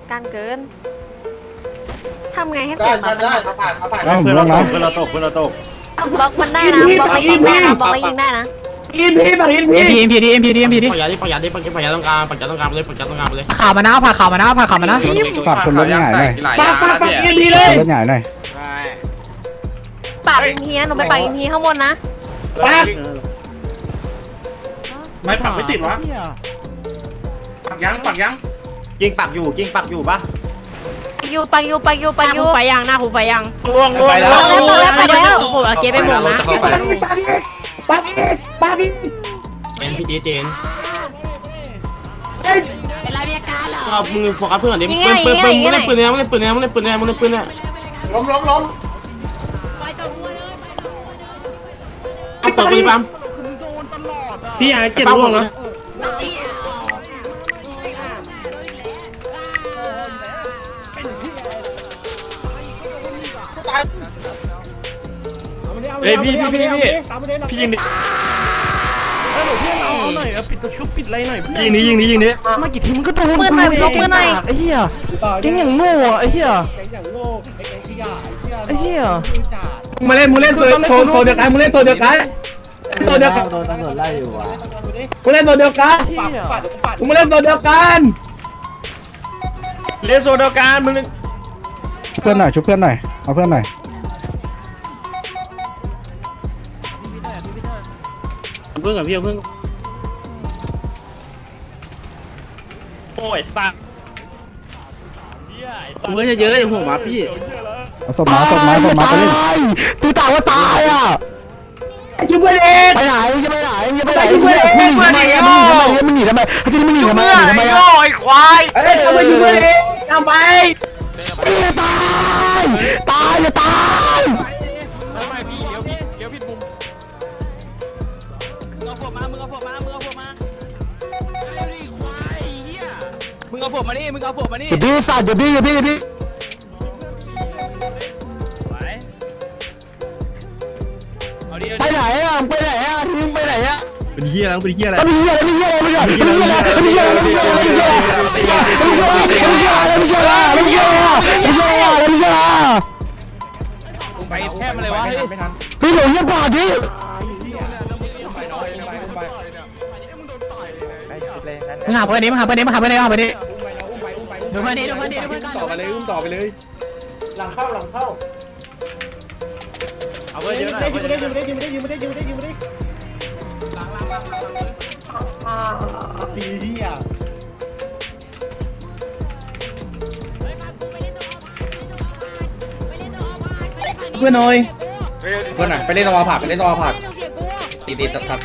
การเกินทำไงให้เปลี่ยนมาเป็นเพื่อนเราตกเพื่อนเราตกเพื่อนเราตกบล็อกมันได้นะบล็อกไปยิงได้นะบล็อกไปยิงได้นะอินพีปักอินพีปากยาดิปากยาดิปากยาต้องการปากยาต้องการเลยปากยาต้องการเลยข่าวมานะผ่าข่าวมานะผ่าข่าวมานะฝากคนรถใหญ่หน่อยปักอินพีเลยรถใหญ่หน่อยปากอินทีนะหนูไปปากอินทีข้างบนนะปักไม่ปักไม่ติดวะปักยังยิงปักอยู่ปะปักยูไฟยังหน้าหูไฟยังล่วงปักแล้วโอ้โหเจ๊ไปหมดนะปักอินเจนพี่เจนเอามือโฟกัสเพื่อนดิปืนมึงเล่นปืนเนี่ยมึงเล่นปืนเนี่ยล้มเอาเปิดปืนปั๊มพี่อยากเจ็บล่วงนะเฮ้ยพี่ยิงดิยิงนี้มากี่ทีมันก็โดนปืนหน่อยบล็อกปืนหน่อยไอ้เหี้ยเก่งอย่างโง่ไอ้เหี้ยไอ้เหี้ยมึงเล่นโซเดียวกันมึงเล่นโซเดียวกันโดนตำรวจไล่อยู่วะมึงเล่นโซเดียวกันมึงเล่นโซเดียวกันเล่นโซนเดียวกันมึงเพื่อนหน่อยชุบเพื่อนหน่อยเอาเพื่อนหน่อยเพื่อนกับพี่เพื่อนโอ้ยสักเพื่อนเยอะๆอย่างผมมาพี่เอาศพมาไปเล่นตูตาว่าตายอ่ะจุ๊บเล็กไปไหนจะไปไหนจะไปไหนมึงหนีทำไมมึงหนีทำไมที่นี่มึงหนีทำไมอ่ะเอ้ยทำไมจุ๊บเล็กทำไมตายจะตายมึงเอาผมมานี่อย่าบี้สัตว์อย่าบี้ไปไหนอ่ะทิ้งไปไหนอ่ะเป็นเฮียอะไรไม่เหี้ยอะไรไปแทบมาเลยวะไม่ทันพี่หลงยังป่าดิมึงหาเพื่อนดิดูมาดิต่อไปเลยต่อไปเลยหลังเข้าเอาเพื่อนเยอะหน่อยยิงไม่ได้ดีอ่ะเพื่อนหน่อยไปเล่นตะวันผักตีสัก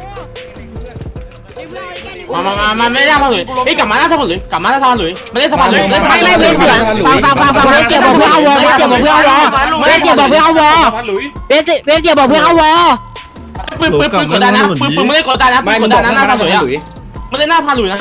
มาไม่ได้พอหลุยเฮ้ยกลับมาหน้าสะพานหลุยไม่ได้สะพานหลุยไม่เวเสียฟังเวเสียบอกเพื่อนเอาวอเวเสียบอกเพื่อนเอาวอเวเสียบอกเพื่อนเอาวอเวเสียบอกเพื่อนเอาวอปืนกดดันนะปืนไม่ได้กดดันนะปืนกดดันนะหน้าพานหลุยอ่ะไม่ได้หน้าพานหลุยนะ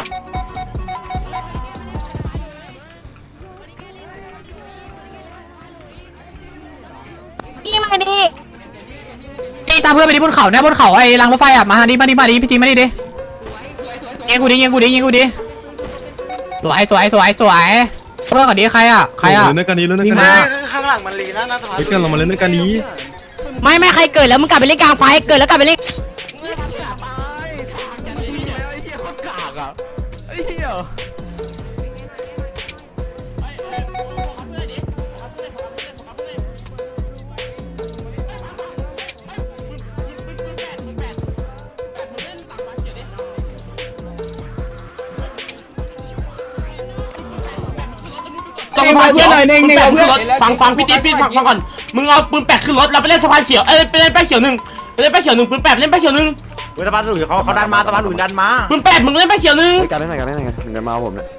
ยิงมาดิตามเพื่อนไปที่บนเขาเนี่ยบนเขาไอ้รางรถไฟอ่ะมาดิพี่จีมาดิยิงกูดิสวยเพื่อนก่อนดิใครอ่ะเล่นกันนี้ข้างหลังมันลีนะสะพานเล่นกันเรามาเล่นกันนี้ไม่ใครเกิดแล้วมึงกลับไปเล่นกลางไฟเกิดแล้วกลับไปเล่นต้องสะพานเขียวฟังพี่ติ๊บฟังก่อนมึงเอาปืนแปะขึ้นรถแล้วไปเล่นสะพานเขียวไปเล่นแป้เขียวหนึ่งปืนแปะเล่นแป้เขียวหนึ่งสะพานหลุยเขาดันมาสะพานหลุยดันมาปืนแปะมึงเล่นแป้เขียวหนึ่งกันได้ไงถึงจะมาผมเนี่ย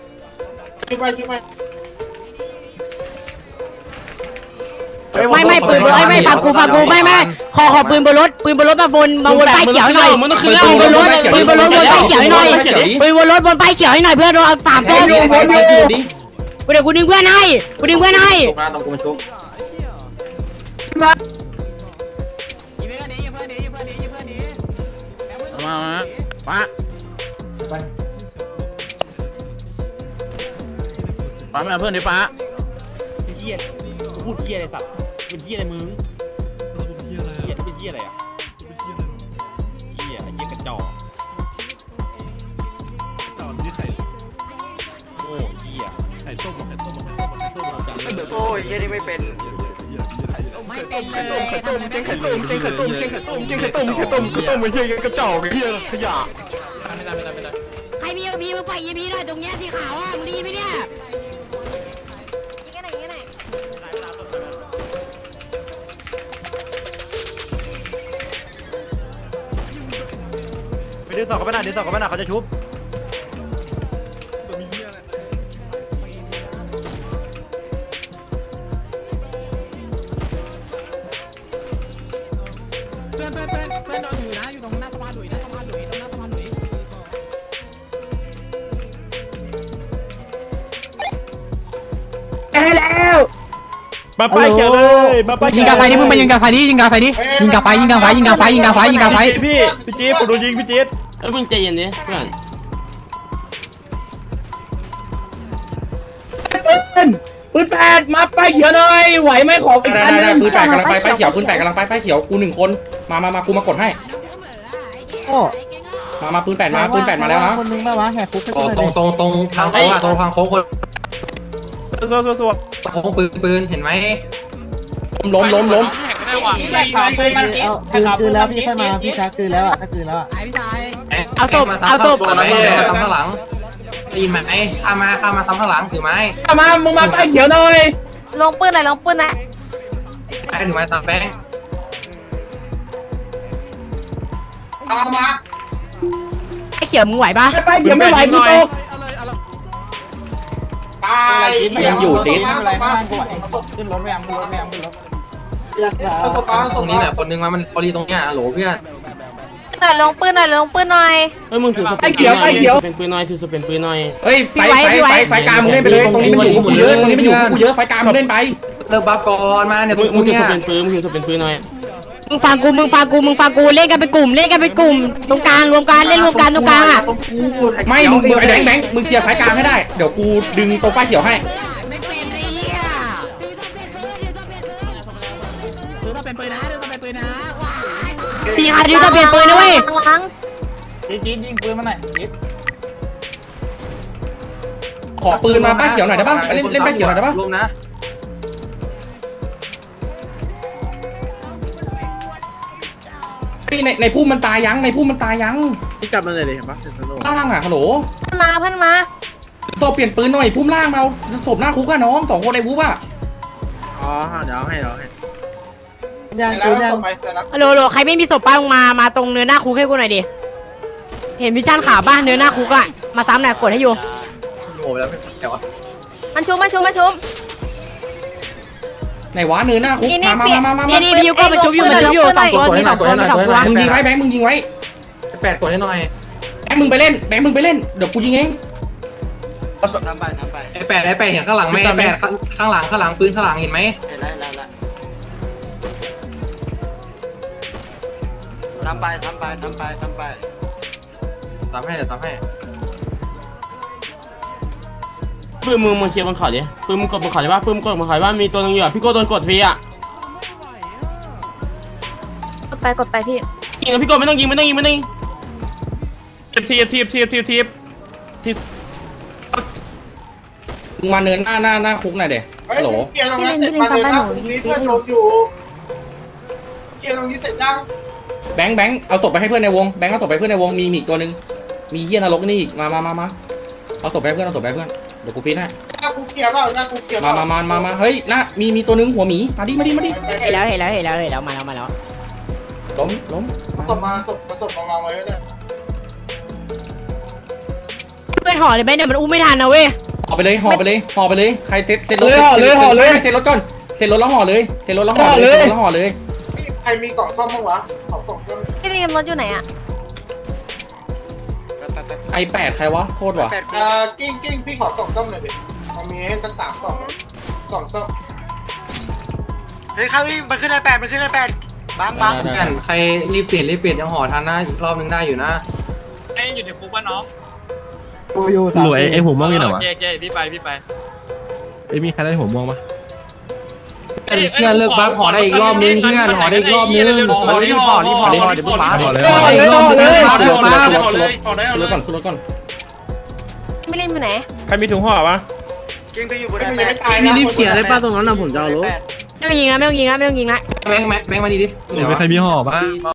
ไม่ปืนไม่ฟังกูไม่ขอปืนบนรถมาวนป้ายเขียวหน่อยมึงต้องขึ้นปืนบนรถบนป้ายเขียวหน่อยปืนบนรถบนป้ายเขียวให้หน่อยเพื่อนเอา3ต้นเดี๋ยวกูดึงเพื่อนให้ต้องกูมาชุบมป้ามาเพื่อนดิป้าเหี้ยพูดเหี้ยอะไรสัตว์เป็นเหี้ยอะไรมึงเหี้ยเป็นเหี้ยอะไรอ่ะเหี้ยไอ้เหี้ยกระจอกโอ้เหี้ยโอ้ยเฮียนี่ไม่เป็นไม่เป็นเลยทำอะไรไม่เป็นใครมีเอาพีมึงไปยีพีหน่อยตรงเนี้ยสีขาวอ่ะมึงดีไหมเนี่ยยิงกันไหนยิงกันไหนไปดึงศพเขาไปหน่อยดึงศพเขาไปหน่อยเขาจะชุบเพื่อนโดนอยู่นะอยู่ตรงหน้าสะพานหลุยตรงหน้าสะพานหลุยมาป้ายเขียวเลยมาป้ายยิงกาไฟดิมึงไปยิงกาไฟดิยิงกาไฟดิยิงกาไฟยิงกาไฟยิงกาไฟยิงกาไฟยิงกาไฟพี่จี๊ดผมโดนยิงพี่จี๊ดเอ้ยมึงใจเย็นดิเพื่อนปืนแปดมาป้ายเขียวหน่อยไหวไหมขออีกได้อันนึงปืนแปดกำลังไปป้ายเขียวปืนแปดกำลังไปป้ายเขียวกู1 คนมากูมากดให้มาปืนแปดมาแล้วนะคนนึงมาวะแหกคุกตรงทางโค้งอะตรงทางโค้งคนสวโค้งปืนเห็นไหมล้มคืนแล้วพี่ค่อยมาพี่ช้าคืนแล้วอ่ะถ้าคืนแล้วอ่ะพี่ชายเอาศพมาซ้ำข้างหลังได้ยินไหมข้ามาซ้ำข้างหลังถือไม้มามึงมาป้ายเขียวหน่อยลงปืนหน่อยลงปืนนะไม้ถือไม้ตามแป้งไอ้เขียวมึงไหวปะป้ายเขียวไม่ไหวกูตกยังอยู่จี๊ดตรงนี้แหละคนนึงมันพอดีตรงเนี้ยโหลเพื่อนหน่อยลงปืนหน่อยลงปืนหน่อยเอ้ยมึงถือสเปนปืนหน่อยเป็นปืนหน่อยถือสเปนปืนหน่อยเฮ้ยไฟกลางมึงเล่นไปเลยตรงนี้มันอยู่กูเยอะไฟกลางมึงเล่นไปเลิกบัฟก่อนมาเนี่ยตรงมึงถือเนี้สยเปนปืนมึงถือสเปนปืนหน่อยมึงฟังกูเล่นกันเป็นกลุ่มตรงกลางรวมกันเล่นรวมกันตรงกลางอ่ะไม่มึงไอ้แบงค์มึงเคลียร์ไฟกลางให้ได้เดี๋ยวกูดึงตรงป้ายเขียวให้ไม่เป็นไอ้เหี้ยดูต้องเป็นปืนนะดูต้องเป็นปืนนะสีขาวดิวต้องเปลี่ยนปืนนะเว้ยหลังขอปืนมาป้ายเขียวหน่อยได้ป่ะเล่นป้ายเขียวหน่อยได้ป่ะลงนะในพุ่มมันตายยังพี่จับมันเลยดิเห็นปะล่างอ่ะฮัลโหลเพื่อนมาศพเปลี่ยนปืนหน่อยพุ่มล่างมาศพหน้าคุกอะน้อง2 คนไอ้วุ้บอะอ๋อเดี๋ยวให้ยังคืนยังฮัลโหลใครไม่มีศพป้ามึงมาตรงเนื้อหน้าคุกให้กูหน่อยดิเห็นวิชั่นขาวป่ะเนื้อหน้าคุกอ่ะมาซ้ำหน่อยกดให้อยู่โง่แล้วไม่เกี่ยวมันชุบไหนวะเนื้อหน้าคุกมานี่พี่ยูก็มันชุบอยู่2 ตัวมี2 ตัวมึงยิงไว้แบงค์มึงยิงไว้ 8กดให้หน่อยแบงค์มึงไปเล่นเดี๋ยวกูยิงเองทำไปไอ้8เห็นข้างหลังไหม8ข้างหลังปืนข้างหลังเห็นไหมเห็นแล้วทำไปตามให้เดี๋ยวตามให้ปืนมึงเคลียร์บนเขาดิปืนมึงกดบนเขาได้ป่ะปืนมึงกดบนเขาได้ป่ะมีตัวนึงอยู่พี่โก้โดนกดฟรีอ่ะกดไปพี่ยิงนะพี่โก้ไม่ต้องยิงทีบมึงมาเนินหน้าคุกหน่อยเด็ฮัลโหลพี่ลินทำไปหนูยิงให้อยู่แบงค์เอาศพไปให้เพื่อนในวงแบงค์เอาศพไปเพื่อนในวงมีอีกตัวนึงมีเหี้ยนรกนี่อีกมาเอาศพไปให้เพื่อนเดี๋ยวกูฟีดให้มาเฮ้ยมีตัวนึงหัวหมีมาดิเห็นแล้วมาแล้วล้มเพื่อนห่อเลยไหมเนี่ยมันอุ้มไม่ทันนะเว้ยห่อไปเลยใครเซ็ตรถห่อเลยเซ็ตรถก่อนเซ็ตรถแล้วห่อเลยพี่ลินรถอยู่ไหนอะไอ8ใครวะโทษว่ะกิ้งพี่ขอ2 ส้มหน่อยดิมีให้ตั้ง3 กล่อง2 ส้มเฮ้ยเขามันขึ้นไอ8บังใครรีบเปลี่ยนยังห่อทันนะอีกรอบนึงได้อยู่นะกูอยู่หลวยไอ้หัวม่วงอยู่ไหนวะพี่ไปมีใครได้หัวม่วงปะเพื่อนเลิกบัฟขอได้อีกรอบนึงเพื่อนขอได้อีกรอบนึงรีบห่อเดี๋ยวมึงมาเลยขึ้นรถก่อนขึ้นรถก่อนไม่เล่นไปไหนใครมีถุงห่อปะเก่งไปอยู่บนไอแปดมีรีบเขียนเลยป้าตรงนั้นนะผมจะเอารถไม่ต้องยิงนะไม่ต้องยิงนะไม่ต้องยิงนะแบงค์มาดีดิไม่ใครมีห่อปะ